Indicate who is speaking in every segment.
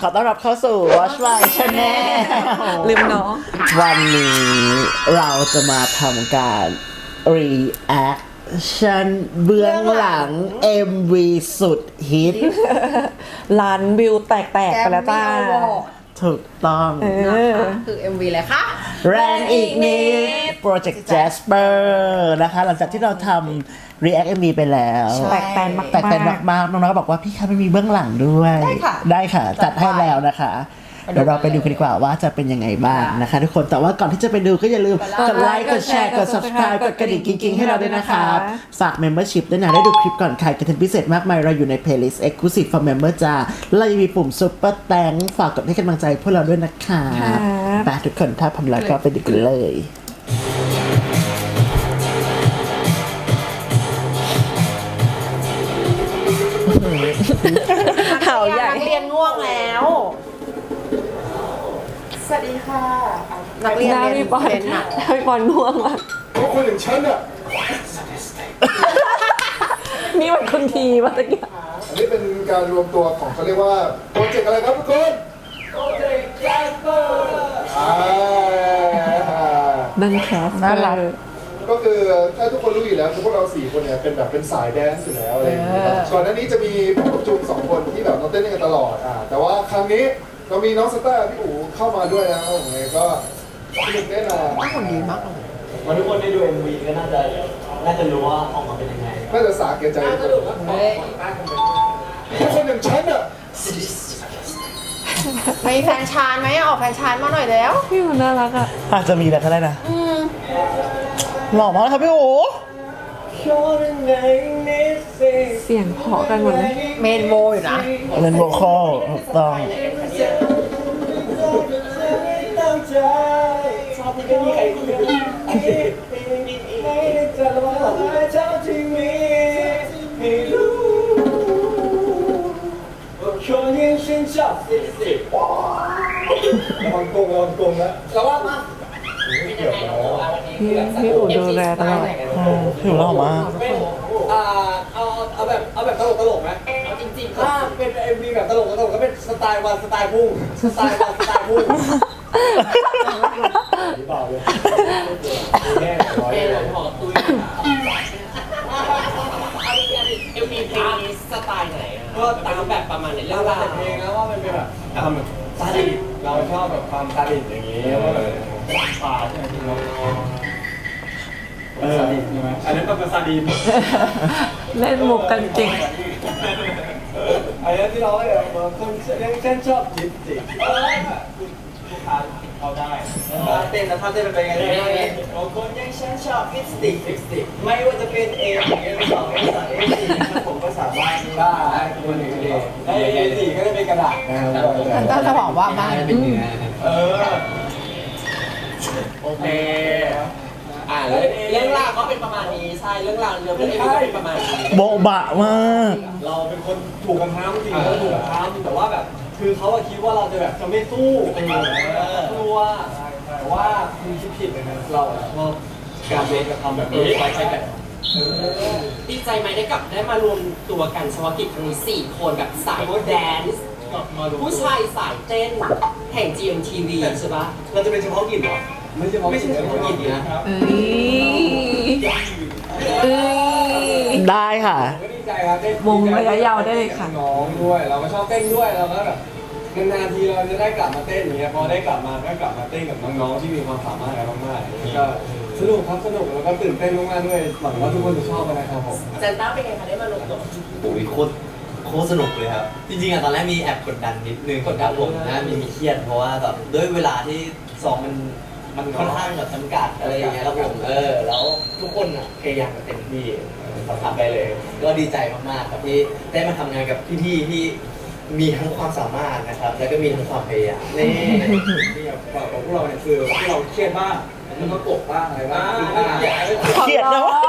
Speaker 1: ขอต้อนรับเข้าสู่ Watch My Channel
Speaker 2: ลืมน้อง
Speaker 1: วันนี้เราจะมาทำการ reaction เบื้องหลัง MV สุดฮิต
Speaker 2: ล้านวิวแตกไปแล้วจ้า
Speaker 1: ถูกต้อง
Speaker 3: นะคะคือ MV เลยค่ะ
Speaker 1: แรงอีกนิด Project Jasper นะคะ หลังจากที่เราทำ react MV ไปแล้ว
Speaker 2: แตกแตนมากๆ
Speaker 1: แตกแตนมากๆน้องๆก็บอกว่าพี่คะไม่มีเบื้องหลังด้วย ได้ค่ะ จัดให้แล้วนะคะ เดี๋ยวเราไปดูกันดีกว่าว่าจะเป็นยังไงบ้างนะคะทุกคน แต่ว่าก่อนที่จะไปดูก็อย่าลืมกดไลค์ กดแชร์ กด subscribe กดกระดิ่งกิ๊งๆให้เราด้วยนะครับฝาก membership ด้วยนะ ได้ดูคลิปก่อนใครกันพิเศษมากมาย เราอยู่ใน playlist exclusive for member จ้าเรายังมีปุ่ม super thanks ฝากกดให้กำลังใจพวกเราด้วยนะคะไปทุกคนถ้าพร้อมแล้วก็ไปดูกันเลย
Speaker 2: เห่าใหญ่
Speaker 3: นักเรียนง่วงแล้ว สวัสดีค่ะ นักเรียน
Speaker 2: หน้า
Speaker 3: เรียน
Speaker 2: พี่บอล
Speaker 3: เรียนหนัก
Speaker 2: หน้าพี่บอลง่วงอ่ะ
Speaker 4: เพราะคนอย่างฉันอ่ะ
Speaker 2: นี่มันคนทีมาตะกี้
Speaker 4: อันนี้เป็นการรวมตัวของเขาเรียกว่าโปรเจกต์อะไรครับทุกคนโปรเจกต์แจสเปอร์
Speaker 2: นั่นแคส
Speaker 1: น่ารัก
Speaker 4: ก็คือถ้าทุกคนรู้อยู่แล้วคือพวกเรา4คนเนี่ยเป็นแบบเป็นสายแดนซ์อยู่แล้วอะไรอย่างเงี้ยครับก่อนหน้านี้จะมีผมกับจุง2คนที่แบบเราเต้นกันตลอดแต่ว่าครั้งนี้เรามีน้องสตาร์พี่อู๋เข้ามาด้วยนะครับผมเลยก็สนุกแน่นอน
Speaker 3: คนดีมากเลย
Speaker 5: วันทุกคนได้ดู MV ก็น่าจะรู้ว่าออกมาเป็นยังไง
Speaker 4: น่าจะสาแก่ใจทุกคน
Speaker 3: เฮ้ย
Speaker 4: เพราะคนอย่างฉันอ่ะ
Speaker 3: มีแฟนชานไหมออกแฟนชานมาหน่อยแล้ว
Speaker 2: พี่มันน่ารักอ่ะ
Speaker 1: อาจจะมีแต่ก็ได้นะหล่อมากครับพี่โอ๋
Speaker 2: เสียงเพราะกันหมดเลย
Speaker 3: เมนโวอยู่นะ
Speaker 1: เล่นโวคอลถูกต้อง
Speaker 5: ชอบที่ไม่มีใครคุยด้วยจะระวังเจ้าที่มีให้รู้ว่าคนยังฉันชอบสิ
Speaker 4: ระวังโกงนะ
Speaker 5: ระวังมา
Speaker 2: พี่อู๋ดูแลตลอด
Speaker 1: พี่โอ๋หล่อมาก
Speaker 5: เอาแบบตลกไหมเอาจริงๆถ้าเป็น MV แบบตลกก็เป็นสไตล์วันสไตล์พุ่งสไตล์วันสไตล์พุ่งเปล่าเลยแน่ร้อยเลยหอตุ้ยเอลมีเพลงนี้สไตล์ไหนก็ตามแบบประมาณไหนเรื่องราวเพลงแล้วว่ามันเป็นแบบซาดิสเราชอบแบบความซาดิสอย่างนี้ว่าแบบป่าใช่ไหมพี่น้องซาดิสใช่ไหมอันนั้นเป็นซาดิส
Speaker 2: เล่นมุกกันจริง
Speaker 5: อันนี้ที่เราเนี่ยคนยังเต้นชอบจิตจิลูกค้าเอาได้เต้นแล้วถ้าเต้นเป็นไงได้บางคนยังฉันชอบฟิสติกไม่ว่าจะเป็นA1 A2 A3 A4 ผมก็สามารถได้คนอื่นได้A4 ก็ได้เป็นกระดาษ
Speaker 3: มันก็จะบอกว่าบ้าน
Speaker 5: โอเคเรื่องราวก็เป็นประมาณนี้ใช่เรื่องราวเรื่องก็เป็นประมาณนี้
Speaker 1: โบ๊ะบะมาก
Speaker 5: เราเป็นคนถูกกำทำจริงเราถูกกำทำแต่ว่าแบบคือเขาคิดว่าเราจะแบบจะไม่สู้กลัวแต่ว่าคุณคิดผิดเลยนะเราชอบการเล่นกระทำแบบนี้ไว้ใช้กันดีใจไหมได้มารวมตัวกันเฉพาะกิจครั้งนี้4คนแบบสายแดนซ์ผู้ชายสายเต้นแห่ง GMTV ใช่ปะเราจะเป็นเฉพาะกิจเหรอไม่ใช่เฉพาะกิจนะ
Speaker 1: ได้ค่ะ
Speaker 5: ก็ดีใจครับได้
Speaker 2: วงระยะยาวได้เลยค่ะ
Speaker 5: น้องด้วยเราก็ชอบเต้นด้วยเราก็แบบนานๆทีเราจะได้กลับมาเต้นอย่างเงี้ยพอได้กลับมาก็กลับมาเต้นกับน้องๆที่มีความสามารถกันมากๆก็สนุกครับสนุกแล้วก็ตื่นเต้นมากๆด้วยหวังว่าทุกคนจะชอบกันนะครับผม
Speaker 3: เซนต้าเป็นไงคะได้มารวมตัว
Speaker 6: โอ้ยโคตรสนุกเลยครับ จริงๆอะตอนแรกมีแอบกดดันนิดนึงครับผมนะมีเครียดเพราะว่าแบบด้วยเวลาที่ซ้อมมันค่อนข้างแบบจำกัดอะไรอย่างเงี้ยครับผมแล้วทุกคนอะพยายามกันเต็มที่ทำไปเลย ก็ดีใจมากๆครับที่ได้มาทำงานกับพี่ๆที่มีทั้งความสามารถนะครับ แล้วก็มีทั้งความพยายามนี่
Speaker 5: นี่แบบของพวกเราเนี่ยคือที่เราเครียดบ้างแล้วก็กบบ้างอะไรบ้าง
Speaker 1: เครียดนะวะ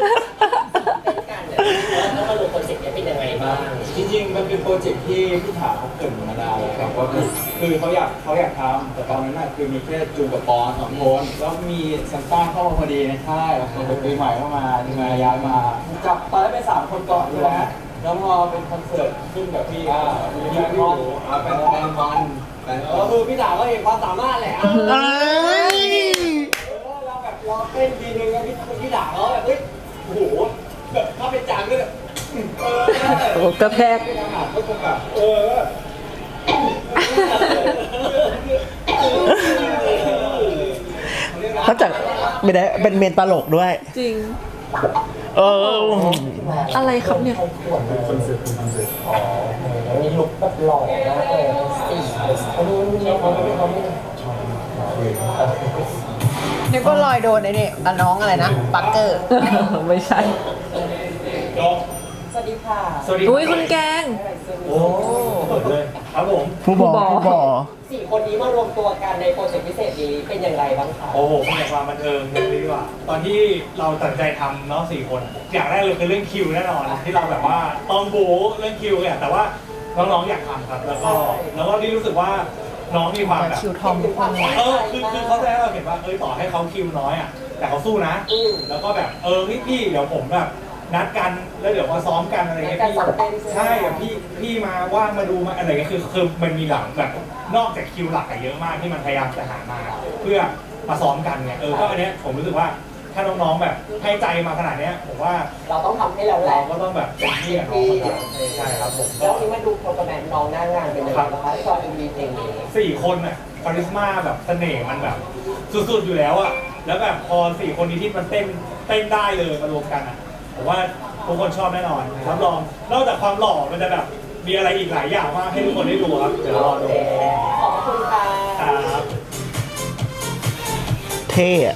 Speaker 3: แล้วมารวมโปรเจกต์นี้เป็นยังไงบ้าง
Speaker 5: จริงๆมันเป็นโปรเจกต์ที่พี่ถาเขาเกิดมานานแล้วครับว่าคือเขาอยากทำแต่ตอนนั้นน่ะคือมีแค่จูกับปอน2คนแล้วมีซันต้าเข้ามาพอดีในค่ายแล้วคนปีใหม่เข้ามาย้ายมาจับตอนแรกเป็น3คนก่อนใช่ไหมแล้วพอเป็นคอนเสิร์ตขึ้นกับพี่มีคอนเป็นคอนก็คือพี่ด่าก็เห็นความสามารถแหละเราแบบเราเต้นทีนึงแล้วพี่ด่าเขาแบบเฮ้ยโอ้โหแบบถ้าเป็นจางก็แบบ
Speaker 2: โอ้กระแทก
Speaker 5: ก็คงแบบ
Speaker 1: เขาจะไม่ได้เป็นเมนตลกด้วย
Speaker 2: จริง อะไรครับเนี่ย
Speaker 3: มีลุคแบบหล่อมากเลยนึกว่าลอยโดนไอ้นี่กับน้องอะไรนะปักเกอร์
Speaker 2: ไม่ใช่
Speaker 3: สวัสดีค่ะ
Speaker 5: สวัสดี
Speaker 2: อุ้ยคุณแกง
Speaker 5: โอ้เปิดเลยครับผม
Speaker 1: ผู้บอ
Speaker 3: 4 คนนี้มารวมตัวกันในโปรเจกต์พิเศษนี้เป็นอย่างไรบ้างคะ
Speaker 5: โอ้โหเป็นความบันเทิงเลยดีกว่าตอนที่เราตัดใจทำเนาะ4 คนอย่างแรกเลยคือเรื่องคิวแน่นอนที่เราแบบว่าต้องบู๊เรื่องคิวเนี่ยแต่ว่าน้องๆอยากทำครับแล้วก็ที่รู้สึกว่าน้องมีความแบบ
Speaker 3: คิวทอมทุกคน
Speaker 5: คือเขาแสดงให้เราเห็นว่าต่อให้เขาคิวน้อยอ่ะแต่เขาสู้นะแล้วก็แบบพี่เดี๋ยวผมแบบนัดกันแล้วเดี๋ยวมาซ้อมกันอะไรเงี้ยพี่ใช่พี่มาว่างมาดูมาอะไรเงี้ยคือมันมีหลังแบบนอกจากคิวหลักเยอะมากที่มันพยายามจะหามาเพื่อมาซ้อมกันเนี่ยก็อันเนี้ยผมรู้สึกว่าถ้าน้องๆแบบให้ใจมาขนาดเนี้ยผมว่า
Speaker 3: เราต้องทำให้เราแหละ
Speaker 5: เราก็ต้องแบบเต็มที่กับน้องเขาใช่ครับผม
Speaker 3: แล้วนี้มาดูโปรแกรมน้องหน้างานเป็นยังไงบ้างคะตอนมีเพลงนี้
Speaker 5: 4 คนน่ะคาริสมาแบบเสน่ห์มันแบบสุดๆอยู่แล้วอะแล้วแบบพอ4 คนนี้ที่มันเต้นได้เลยมารวมกันอะผมว่าทุกคนชอบแน่นอนรับรองนอกจากความหล่อมันจะแบบมีอะไรอีกหลายอย่างมากให้ทุกคนได้ดูครับเดี๋ยวรอดู
Speaker 3: ขอบคุณค่ะ
Speaker 5: ครับ
Speaker 1: เท่อะ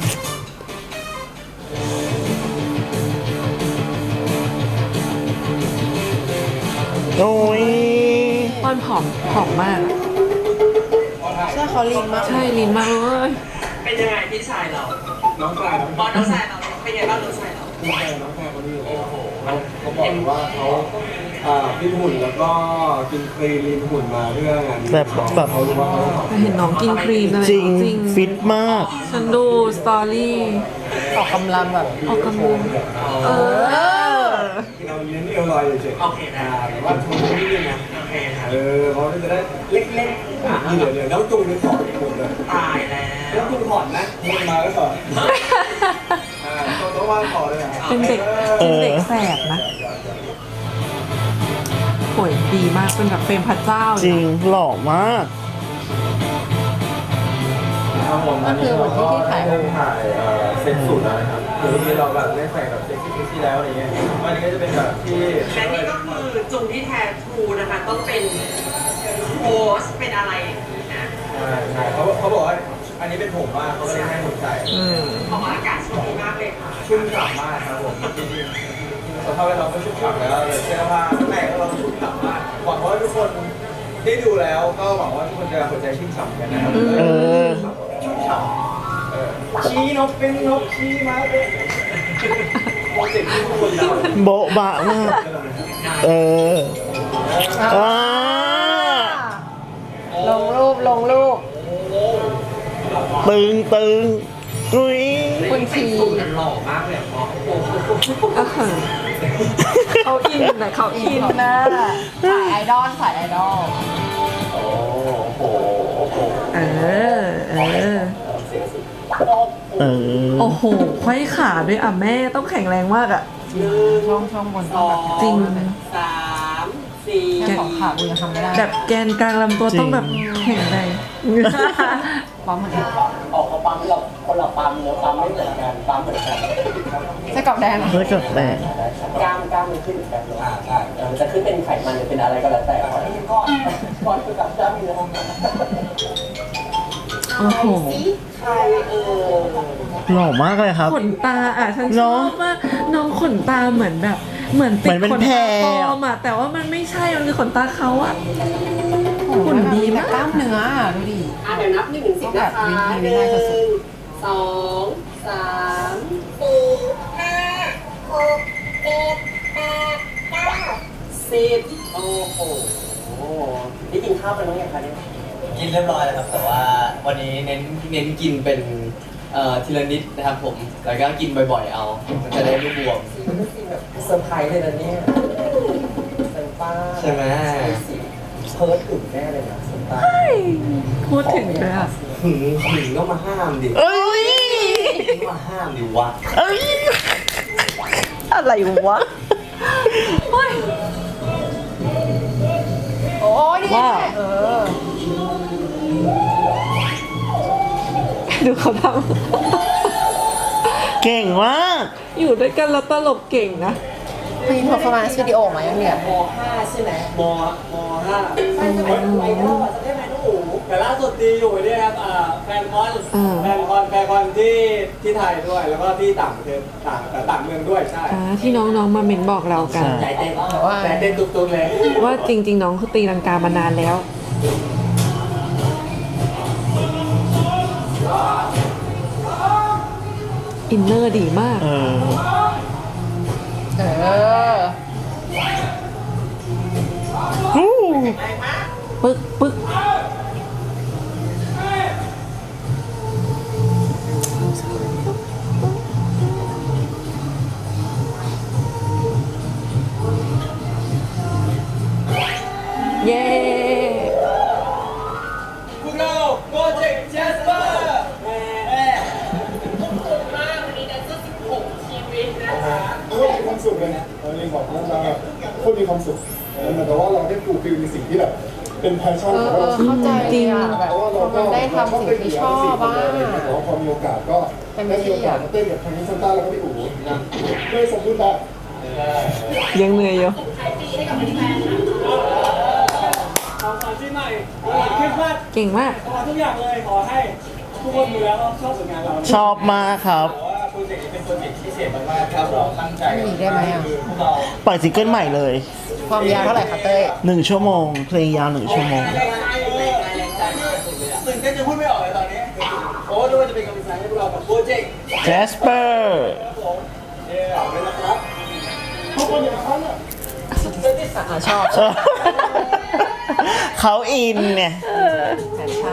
Speaker 1: โอ้ย
Speaker 2: มันผอมมาก
Speaker 3: ใช่เขาลีนมาก
Speaker 2: ใช่ลีนมากเลย
Speaker 7: เป็นยังไงพี่ชายเรา
Speaker 5: น้องกลาย
Speaker 7: บอลน้องชายเราเป็นยังไงบ้างน้องชายเรา
Speaker 5: น้องแพรคนนี้เขาบอกว่าเขากินหุ่นแล้วก็กินครีมลีนหุ่นมาเพื่องานนี้
Speaker 1: แบบ
Speaker 5: เขารู้ว่าเขา
Speaker 2: เห็นน้องกินครีมอะไร
Speaker 1: จริงฟิตมาก
Speaker 2: ฉันดูสตอรี่
Speaker 3: ออกกำลังแบบ
Speaker 2: ออกกำลัง
Speaker 5: เราเน้นเอวลอยเฉยๆ
Speaker 7: โอเคนะ
Speaker 5: แต่ว่าทุนนิดนึงนะ
Speaker 7: โอเคครับ
Speaker 5: เขาจะได้เล็กๆเดี๋ยวแล้วจูงเป็นสอนหมดเลย
Speaker 7: ตายแล้
Speaker 5: แล้ว
Speaker 7: ว
Speaker 5: จูงถอนนะมึงมาก็สอนต้องว่าถอนเลยอ่ะ
Speaker 2: เป็นเด็กแสบนะโหยดีมากเป็นแบบเฟรมพระเจ้า
Speaker 1: จริงหล่อมาก
Speaker 3: ก็คือเหมือนที่ถ่าย
Speaker 8: ถ่ายเซ็ตสูตรแล้วนะครับคือที่เราแบบได้ใส่แบบเซ็กซี่แล้วอะไรเงี้ยวันนี้ก็จะเป็นแบบที่
Speaker 7: และนี่ก็คือจุงที่แท้ทรูนะคะต้องเป็นโค้ชเป็นอะไรนะ
Speaker 8: ใช่เขาบอกว่าอันนี้เป็นผมมากเขาก็เลยให้ผมใส่
Speaker 7: ออกอากาศช่วงนี้มากเลยค่ะ
Speaker 8: ชุ่มฉ่ำมากครับผมจริงๆสภาพแวดล้อมก็ชุ่มฉ่ำแล้วเลยเสื้อผ้าข้างในก็เราชุ่มฉ่ำมากหวังว่าทุกคนได้ดูแล้วก็หวังว่าทุกคนจะหัวใจชุ่มฉ่ำกันนะครับชุ่มฉ่ำชี้นกเป็นนกชี้มาเป็นโปรเจกต์ที่ทุกคนเรา
Speaker 1: โบ๊ะบะมาก
Speaker 3: ลงรูป
Speaker 1: ตึงอุ้ย
Speaker 3: คุณที
Speaker 7: หล่อมากเลยอ่ะพ่อ
Speaker 2: ก็เขินเขาอินนะเขาอินนะ
Speaker 3: สายไอดอล
Speaker 2: เออ โอ้โหไขว้ขาด้วยอ่ะแม่ต้องแข็งแรงมากอ่ะ
Speaker 3: ช่องบนต้องแบบ
Speaker 2: จริง
Speaker 7: 3 4
Speaker 3: แค่ของขากูยังทำไม่ได้
Speaker 2: แบบแกนกลางลำตัวต้องแบบแข็งแรง
Speaker 3: ปั๊มเหมือนกัน
Speaker 6: ออกมาปั๊มเราคนละปั๊มเนื้อปั๊มไม่เหมือนกันปั๊มเหมือนกัน
Speaker 3: ไส้กรอกแดงเหรอ
Speaker 1: เพื่อจดแดง
Speaker 6: กล้ามมันขึ้นเหมือนกันใช่มันจะขึ้นเป็นไขมันหรือเป็นอะไรก็แล้วแต่ขอให้มีก้อนคือกับกล้ามเนื้อ
Speaker 2: โอ้โห
Speaker 6: ใคร
Speaker 1: หล่อมากเลยครับ
Speaker 2: ขนตาอ่ะฉันช
Speaker 1: เน
Speaker 2: อ
Speaker 1: อะ
Speaker 2: บมากน้องขนตาเหมือนแบบเหมือนติ
Speaker 1: เหมื
Speaker 2: ด
Speaker 1: อนเป็น
Speaker 2: ขน
Speaker 1: แพร
Speaker 2: ตาปลอมอ่ะแต่ว่ามันไม่ใช่มันคือขนตาเขาอ่ะหุ่นดี
Speaker 3: แต่
Speaker 2: มาก
Speaker 3: กล้ามเนื้ออ่ะดูดิ
Speaker 6: เดี๋ยวนับ1 ถึง 10นะคะ
Speaker 3: วิธีง่ายสุด
Speaker 6: 1 2 3 10โอ้โหนี่กินข้าวไปแล้วยังคะเนี่ย
Speaker 9: กินเรียบร้อยแล้วครับ แต่ว่าวันนี้เน้นกินเป็น
Speaker 6: ทีละนิดนะครับผมแล้วก็กินบ่อยๆเอามันจะได้ไม่บวม
Speaker 3: มันเป็นสิ่งแบบเซอร์ไพรส์เลยนะเนี่ยเซอร์ป้า
Speaker 6: ใช่ไหม
Speaker 3: สิเพิร์ดถึงแน่เลยนะเซอร์ป้า
Speaker 2: พูดถึงเลยอ่ะ
Speaker 6: หึงก็มาห้ามดิ
Speaker 1: เอ้ย
Speaker 6: มาห้ามดิวะ
Speaker 1: เอ้ย
Speaker 2: อะไรวะ
Speaker 9: โอ้ยนี่
Speaker 2: ว้าว ดูเขาท
Speaker 1: เก่งมาก
Speaker 2: ำอยู่ด้วยกันแล้วตลกเก่งนะ
Speaker 9: มีเพอร์ฟอร์แมนซ์วิดีโอมายังเนี่ย
Speaker 3: ม .5 ใช่ไหม
Speaker 5: ม .5
Speaker 3: ใช่จะเป็นไวรัลอ่ะจะได้ไหมน้องอู๋
Speaker 5: แต่ล่าสุดดีอยู่เนี่ยครับแฟนคอนที่ไทยด้วย แล้วก็ที่ต่างประเทศต่างเมืองด้วยใช่
Speaker 2: ที่น้องๆมาเมนบอกเรากัน
Speaker 6: ใจเต้น
Speaker 5: แต่เต้นตุ๊กๆเลย
Speaker 2: ว่าจริงๆน้องคือตีลังกามานานแล้ว อินเนอร์ดีมาก
Speaker 1: เออ ฮู้
Speaker 2: ปึ๊กปึ๊กเย้
Speaker 5: พวกเราโปรเจกต์แจสเปอร์
Speaker 7: มากวันนี้แดนเซอร์16ชีวิตนะคะ
Speaker 4: โคตรมีความสุขเลยเราเองบอกน้องๆโคตรมีความสุขเหมือนกับว่าเราได้ฟูลฟิลในสิ่งที่แบบเป็นแพชชั่นของเรา
Speaker 9: เข้าใจเลยอ่ะแบบ
Speaker 4: เพราะว่าเรา
Speaker 9: มันได้ทำสิ่งที่ชอบบ้าง
Speaker 4: แต่ว่าพอมีโอกาสก็ได้มีโอกาสมาเต้นกับทางนิสซันต้าแล้วก็พี่อู๋นะด้วยสมบูรณ์แบบ
Speaker 2: ยังเหนื่อยอยู่
Speaker 5: ของขวัญปีใหม่คริสต์มาส
Speaker 2: เก่งมาก
Speaker 5: ขอทุกอย่างเลยขอให้ทุกคนดูแล้วชอบผลงานเรา
Speaker 1: ชอบมากครับ
Speaker 5: แต่ว่าโปรเจกต์นี้เป็นโปรเจกต์พิเศษมากๆครับเราตั้งใจ
Speaker 9: มีอีกได้ไหมอ่ะ
Speaker 5: คือพวกเรา
Speaker 1: ปล่อยซิงเกิลใหม่เลย
Speaker 9: ความยาวเท่าไหร่คะเต้ย
Speaker 1: 1 ชั่วโมง เพลงยาว 1 ชั่วโมง
Speaker 5: ตื่นเต้นจะพูดไม่ออกเลยตอนนี้โอ้ดูว่าจะเป็นกำลังใจให้พวกเรากับโปรเจกต์
Speaker 1: Jasper
Speaker 5: ครับผมเอาไว้นะครับ
Speaker 4: ทุกคนอย่างนั้นอ่ะ
Speaker 9: ชอบ
Speaker 1: เขาอินเนี่ย
Speaker 9: แฟชั่น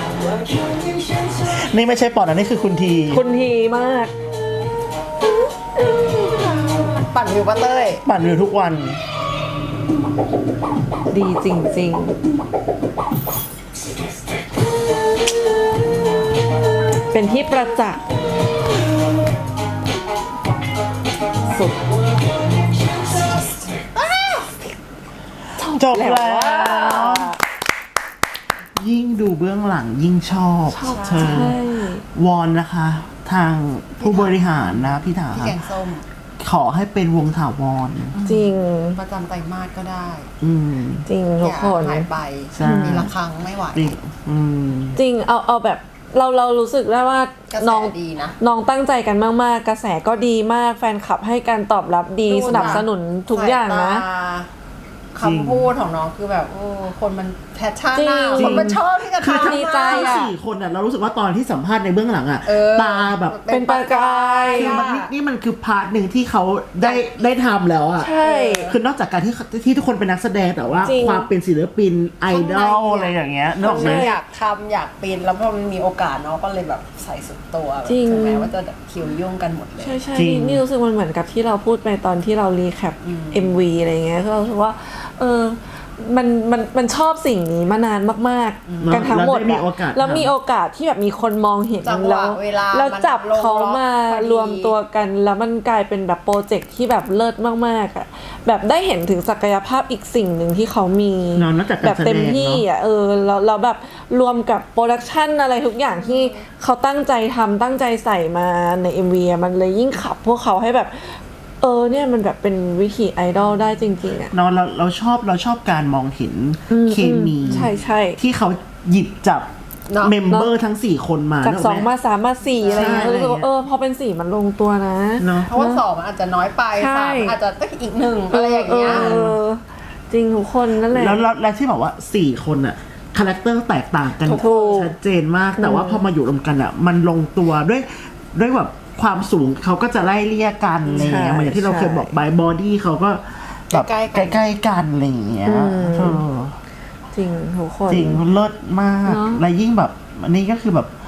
Speaker 1: นี่ไม่ใช่ปอดนะนี่คือคุณที
Speaker 2: คุณทีมาก
Speaker 9: ปั่นวิวป้าเต้ย
Speaker 1: ปั่นอยู่ทุกวัน
Speaker 2: ดีจริงๆ เป็นที่ประจักษ์สุด
Speaker 1: จบแล้ว ยิ่งดูเบื้องหลังยิ่งชอบเธอ
Speaker 2: ใช่
Speaker 1: วอนนะคะ ทางผู้บริหารนะพี่ถา
Speaker 9: พี่แกงส้ม
Speaker 1: ขอให้เป็นวงถาวร
Speaker 2: จริง
Speaker 9: ประจำไตรมาสก็ได้
Speaker 1: อืม
Speaker 2: จริงทุกคน
Speaker 9: หายไป
Speaker 1: ใช่
Speaker 9: มีละครั้งไม่ไหว
Speaker 1: จริงอืม
Speaker 2: จริงเอาแบบเรารู้สึกได้ว่าก
Speaker 9: ระแส
Speaker 2: น้อง
Speaker 9: ดีนะ
Speaker 2: น้องตั้งใจกันมากๆ กระแสก็ดีมากแฟนคลับให้การตอบรับดี
Speaker 9: ดูนะ
Speaker 2: สนับสนุนทุกอย่างนะ
Speaker 9: สายตาคำพูดของน้องคือแบบโอ้คนมันแพชชั่น
Speaker 2: จริง
Speaker 9: อะคนมันชอบที่จะ
Speaker 1: คือ
Speaker 9: ทำ
Speaker 2: ดีใจ
Speaker 1: ทั้ง
Speaker 2: อะ
Speaker 1: 4 คนอ่ะเรารู้สึกว่าตอนที่สัมภาษณ์ในเบื้องหลังอ่ะ ตาแบบ
Speaker 2: เป็นประกาย
Speaker 1: คือมันนี่มันคือพาร์ทหนึ่งที่เขาได้ทำแล้วอ่ะ
Speaker 2: ใช่
Speaker 1: คือนอกจากการที่ทุกคนเป็นนักแสดงแต่ว่า
Speaker 2: จริง
Speaker 1: ความเป็นศิลปินไอดอลอะไรอย่างเงี้ยนึกออกไหม
Speaker 9: อยากทำอยากเป็นแล้วพอมันมีโอกาสน้องก็เลยแบบใส่สุดตัวแบบ
Speaker 2: จริง
Speaker 9: ถึงแม้ว่าจะแบบคิวยุ่งกันหมดเลย
Speaker 2: ใช่ใช่
Speaker 1: จริง
Speaker 2: นี่รู้สึกมันเหมือนกับที่เราพูดไปตอนที่เรารีแคป MV อะไรเงี้ยคือเรารู้สึกว่ามันชอบสิ่งนี้มานานมากๆ กันทั้งหมด
Speaker 1: แล้วได้มี
Speaker 2: อะ
Speaker 1: โอกาส
Speaker 2: แล้วมีโอกาสที่แบบมีคนมองเห็น
Speaker 9: จังหวะ
Speaker 2: แล้ว
Speaker 9: เวลา
Speaker 2: แล้วจับ
Speaker 9: มันลง
Speaker 2: เขามา
Speaker 9: ล็อกพอดี
Speaker 2: รวมตัวกันแล้วมันกลายเป็นแบบโปรเจกต์ที่แบบเลิศมากๆอ่ะแบบได้เห็นถึงศักยภาพอีกสิ่งหนึ่งที่เขามี
Speaker 1: เนอะนอกจากการ
Speaker 2: แบบเต็มที่
Speaker 1: แสดงเนอะ
Speaker 2: อ่ะแล้วแบบรวมกับโปรดักชันอะไรทุกอย่างที่เขาตั้งใจทำตั้งใจใส่มาใน MV อะมันเลยยิ่งขับพวกเขาให้แบบเนี่ยมันแบบเป็นวิธีไอดอลได้จริงๆอ่ะ
Speaker 1: เราชอบการมองเห็นเคมี
Speaker 2: ใช่ใช่
Speaker 1: ที่เขาหยิบจับ
Speaker 9: เนอะ
Speaker 1: เมมเบอร์ทั้ง 4 คนมา
Speaker 2: จาก
Speaker 1: นึก
Speaker 2: ส
Speaker 1: อ
Speaker 2: อ
Speaker 1: อก
Speaker 2: ง
Speaker 1: ไหม
Speaker 2: มา3มา4อะไรเงี้ย
Speaker 1: ใช่
Speaker 2: รู้สึกว่าพอเป็น4มันลงตัวนะ
Speaker 1: เนาะ
Speaker 9: เพราะว่าสองมันอาจจะน้อยไป
Speaker 2: ใช่
Speaker 9: สามอาจจะต้องอีกหนึ่งอะไรอย่างเงี้ย
Speaker 2: จริงทุกคนนั่นแหละ
Speaker 1: แล้วที่บอกว่า 4 คนอะคาแรคเตอร์แตกต่างกัน
Speaker 2: ถูก
Speaker 1: ชัดเจนมาก แต่ว่าพอมาอยู่รวมกันอะมันลงตัวด้วยแบบความสูงเขาก็จะไล่เลี่ยกันอะไรอย่างเงี้ยเหมือนอย่างที่เราเคยบอกบอดี้เขาก็แบบ
Speaker 9: ใกล้ๆกัน
Speaker 1: ใกล้ๆกันอะไรอย่างเงี้ยเออ
Speaker 2: จริงทุกคน
Speaker 1: จริงเลิศมาก
Speaker 2: เนอะ
Speaker 1: และยิ่งแบบอันนี้ก็คือแบบ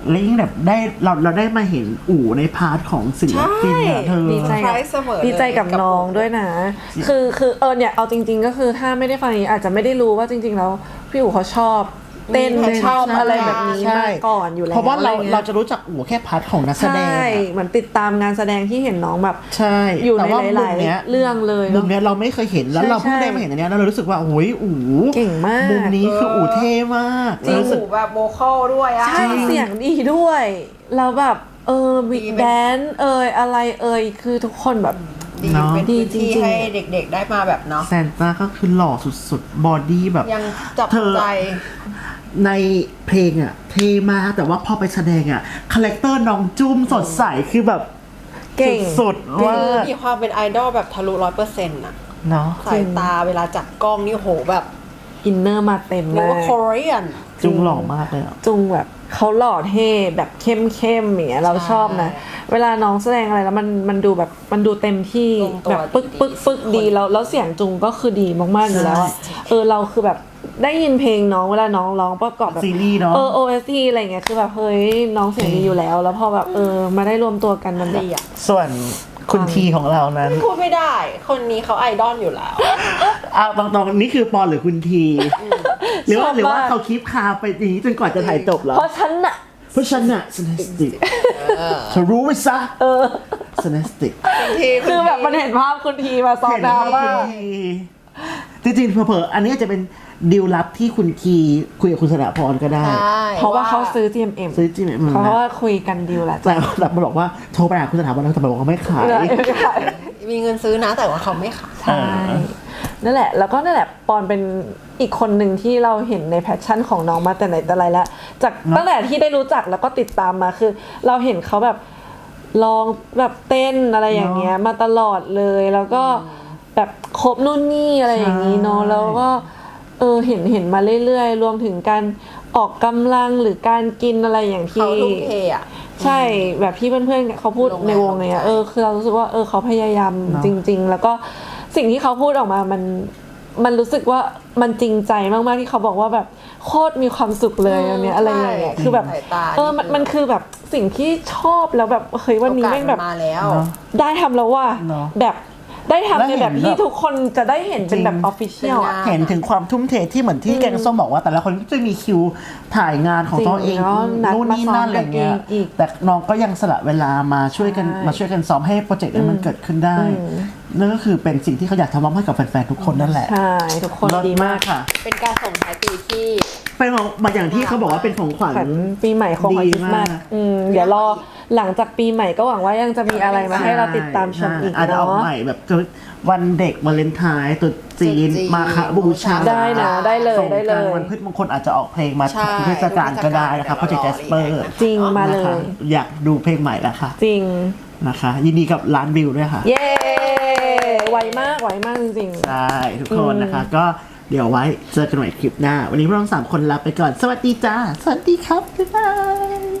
Speaker 1: แล้วยิ่งแบบได้เราได้มาเห็นอู่ในพาร์ทของศิลปินอะเธอ
Speaker 2: ดีใจ
Speaker 9: ไพรส์เสมอเลย
Speaker 2: ดีใจกับน้องด้วยนะ คือเนี่ยเอาจริง ๆ ก็คือถ้าไม่ได้ฟังอย่างนี้อาจจะไม่ได้รู้ว่าจริง ๆ แล้วพี่อู๋เขาชอบเต้น
Speaker 9: มี
Speaker 2: ชอบ
Speaker 9: ใช่
Speaker 2: อะไรแบบนี้
Speaker 1: ใช่
Speaker 2: มาก่อนอยู่แล้ว
Speaker 1: เพราะว่าเรา
Speaker 2: อไงี้ย
Speaker 1: เราจะรู้จักอู่แค่พาร์ทของนักแสดง
Speaker 2: ใช่
Speaker 1: อะ
Speaker 2: เหมือนติดตามงานแสดงที่เห็นน้องแบบ
Speaker 1: ใช่
Speaker 2: อยู่ใน
Speaker 1: แต่ว่า
Speaker 2: หลาย
Speaker 1: มุมเนี้ย
Speaker 2: ๆเรื่องเลย
Speaker 1: มุ
Speaker 2: เนาะ
Speaker 1: มเนี้ยเราไม่เคยเห็นแล้ว
Speaker 2: ใช่
Speaker 1: เราเพิ่งได้
Speaker 2: ใช่
Speaker 1: มาเห็นอันเนี้ยแล้วเรารู้สึกว่าโอ้ยอู๋
Speaker 2: เก่งมาก
Speaker 1: มุมนี้คืออู๋เท่มาก
Speaker 9: จริง
Speaker 1: รู้สึก
Speaker 9: หูแบบโวคอลด้วยอะ
Speaker 2: ใช่เสียงดีด้วยแล้วแบบบิ๊ก
Speaker 9: ดีเป็น
Speaker 2: แดนอะไรคือทุกคนแบบ
Speaker 9: ดี
Speaker 1: เนาะ
Speaker 9: เป็นพื้นที่
Speaker 2: ดีจริงๆ
Speaker 9: ให้เด็กๆได้มาแบบเนาะ
Speaker 1: แซนต้าก็คือหล่อสุดๆ บอดี้แบบ
Speaker 9: ยังจับ
Speaker 1: เธอ
Speaker 9: ใจ
Speaker 1: ในเพลงอะเท่มากแต่ว่าพอไปแสดงอะคาแรคเตอร์น้องจุ้มสดใสคือแบบ
Speaker 2: เก่ง
Speaker 1: สุดๆว่า
Speaker 9: มีความเป็นไอดอลแบบทะลุ100%อะ
Speaker 1: เนาะ
Speaker 9: สายตาเวลาจับกล้องนี่โหแบบ
Speaker 2: อินเนอร์มาเต็ม
Speaker 9: เรียก
Speaker 2: มา
Speaker 9: ว่าก โคเรียน
Speaker 1: จุงหล่อมากเลยอะ
Speaker 2: จุงแบบเขาหล่อเท่แบบเข้มอย่างเงี้ยเราชอบนะ เวลาน้องแสดงอะไรแล้วมันดูแบบมันดูเต็มที่
Speaker 9: ลงตัว
Speaker 2: แบบปึ๊กดีแล้วเสียงจุงก็คือดีมากๆอยู่แล้วอะเราคือแบบได้ยินเพลงน้องเวลาน้องร้องประกอบแบบ
Speaker 1: ซีรีส์เนาะ
Speaker 2: OST อะไรเงี้ยคือแบบเฮ้ยน้องเสียงดีอยู่แล้ว แล้วพอแบบมาได้รวมตัวกันมันแบบ
Speaker 9: ดีอะ
Speaker 1: ส่วนคุณทีของเรานั้น
Speaker 9: พูดไม่ได้ คนนี้เขาไอดอลอยู่แล้ว
Speaker 1: เอาตรงๆนี่คือปอนหรือคุณทีหรือว่า
Speaker 2: ชอบมาก
Speaker 1: หรือว่าเขาคลิปคาไปอย่างนี้จนกว่าจะถ่ายจบเหรอ
Speaker 2: เพราะฉันน่ะ
Speaker 1: เพราะฉันอะสเนสติกเธอรู้ไหมซะสเนสติก
Speaker 2: คือแบบมันเห็นภาพคุณทีมาซ้อน
Speaker 1: เห็น
Speaker 2: ดรา
Speaker 1: ว่า
Speaker 2: ม่า
Speaker 1: คุณทีจริงๆเผลอๆอันนี้อาจจะเป็นดีลลับที่คุณทีคุยกับคุณสนพรก็ได้
Speaker 2: เพราะว่าเขาซื้อ GMM
Speaker 1: ซื้อจริงไหม
Speaker 2: เพราะว่าคุยกันดีลแหละ
Speaker 1: แต่แบบมันบอกว่าโทรไปหาคุณสถาบันแล้วแต่บอกว่าไม่ขาย
Speaker 9: มีเงินซื้อนะแต่ว่าเขาไม่ขาย
Speaker 2: ใช่นั่นแหละแล้วก็นั่นแหละปอนเป็นอีกคนหนึ่งที่เราเห็นในแพชชั่นของน้องมาแต่ไหนแต่ไรแล้วจากตั้งแต่ที่ได้รู้จักแล้วก็ติดตามมาคือ เราเห็นเขาแบบลองแบบเต้นอะไรอย่างเงี้ยมาตลอดเลยแล้วก็แบบครบนู่นนี่อะไรอย่างงี้เนาะแล้วก็เห็นมาเรื่อยๆรวมถึงการออกกำลังหรือการกินอะไรอย่างที่
Speaker 9: เขาทุ่มเทอะ
Speaker 2: ใช่แบบที่เพื่อนๆเขาพูดในวงเนี่ยคือเรารู้สึกว่าเขาพยายามจริง ๆ แล้วก็สิ่งที่เขาพูดออกมามันรู้สึกว่ามันจริงใจมากๆที่เขาบอกว่าแบบโคตรมีความสุขเลยอันเนี้ยอะไรอย่างเงี้ยคือแบบ
Speaker 9: สายตา
Speaker 2: มันคือแบบสิ่งที่ชอบแล้วแบบเฮ้ยวันนี้แม่งแบบ
Speaker 9: โอกาสมาแล้ว
Speaker 2: ได้ทำแล้วว่า
Speaker 1: เนอะ
Speaker 2: แบบได้ทำในแบบ
Speaker 1: แล้วเห็น
Speaker 2: ที่
Speaker 1: แบบ
Speaker 2: ทุกคนจะได้เห็นเป็นแบบออฟฟิเชียล
Speaker 9: เป็นงาน
Speaker 1: เห็นถึงความทุ่มเทที่เหมือนที่แกงส้มบอกว่าแต่ละคนก็จะมีคิวถ่ายงานของตัวเอง
Speaker 2: จริงเนอะนัด
Speaker 1: นู่นนี่นั่นอะไรเงี้ย
Speaker 2: มาซ้อมกันอีก
Speaker 1: แต่น้องก็ยังสละเวลามาช่วยกันซ้อมให้โปรเจกต์นี้มันเกิดขึ้นได้นั่นก็คือเป็นสิ่งที่เขาอยากทำมอบให้กับแฟนๆทุกคนนั่นแหละ
Speaker 2: ใช่ทุกคน
Speaker 1: เลิศ
Speaker 2: ดีมาก
Speaker 1: ค่ะ
Speaker 9: เป็นการส่งท้ายปีที่
Speaker 1: เป็นของมาอย่างที่เขาบอกว่าเป็นของขวัญ
Speaker 2: ขวัญปีใหม่ของขวัญคริสต์มาส
Speaker 1: ดีมาก
Speaker 2: เดี๋ยวรอหลังจากปีใหม่ก็หวังว่ายังจะมีอะไรมาให้เราติดตามชมอีก
Speaker 1: อาจจะเอา
Speaker 2: เนาะ
Speaker 1: ใหม่แบบวันเด็กวาเลนไทน์ตรุษจีน
Speaker 9: ตรุษจีน
Speaker 1: มาฆบูชา
Speaker 2: ได้นะได้เลย
Speaker 1: สงกรานต์
Speaker 2: ได้เลย
Speaker 1: วันพืชมงคลอาจจะออกเพลงมา
Speaker 9: ใช่
Speaker 1: เทศกาลก็ได้นะคะโปรเจกต์แจสเปอร์
Speaker 2: จริงมาเลย
Speaker 1: อยากดูเพลงใหม่แล้วค่ะ
Speaker 2: จริง
Speaker 1: นะคะ ยินดีกับล้านวิวด้วยค่ะ
Speaker 2: เย้ไวมากจริงๆ
Speaker 1: ใช่ทุกคนนะคะ ก็เดี๋ยวไว้เจอกันใหม่คลิปหน้า วันนี้พวกเรา3 คนลาไปก่อน สวัสดีจ้า สวัสดีครับ บ๊ายบาย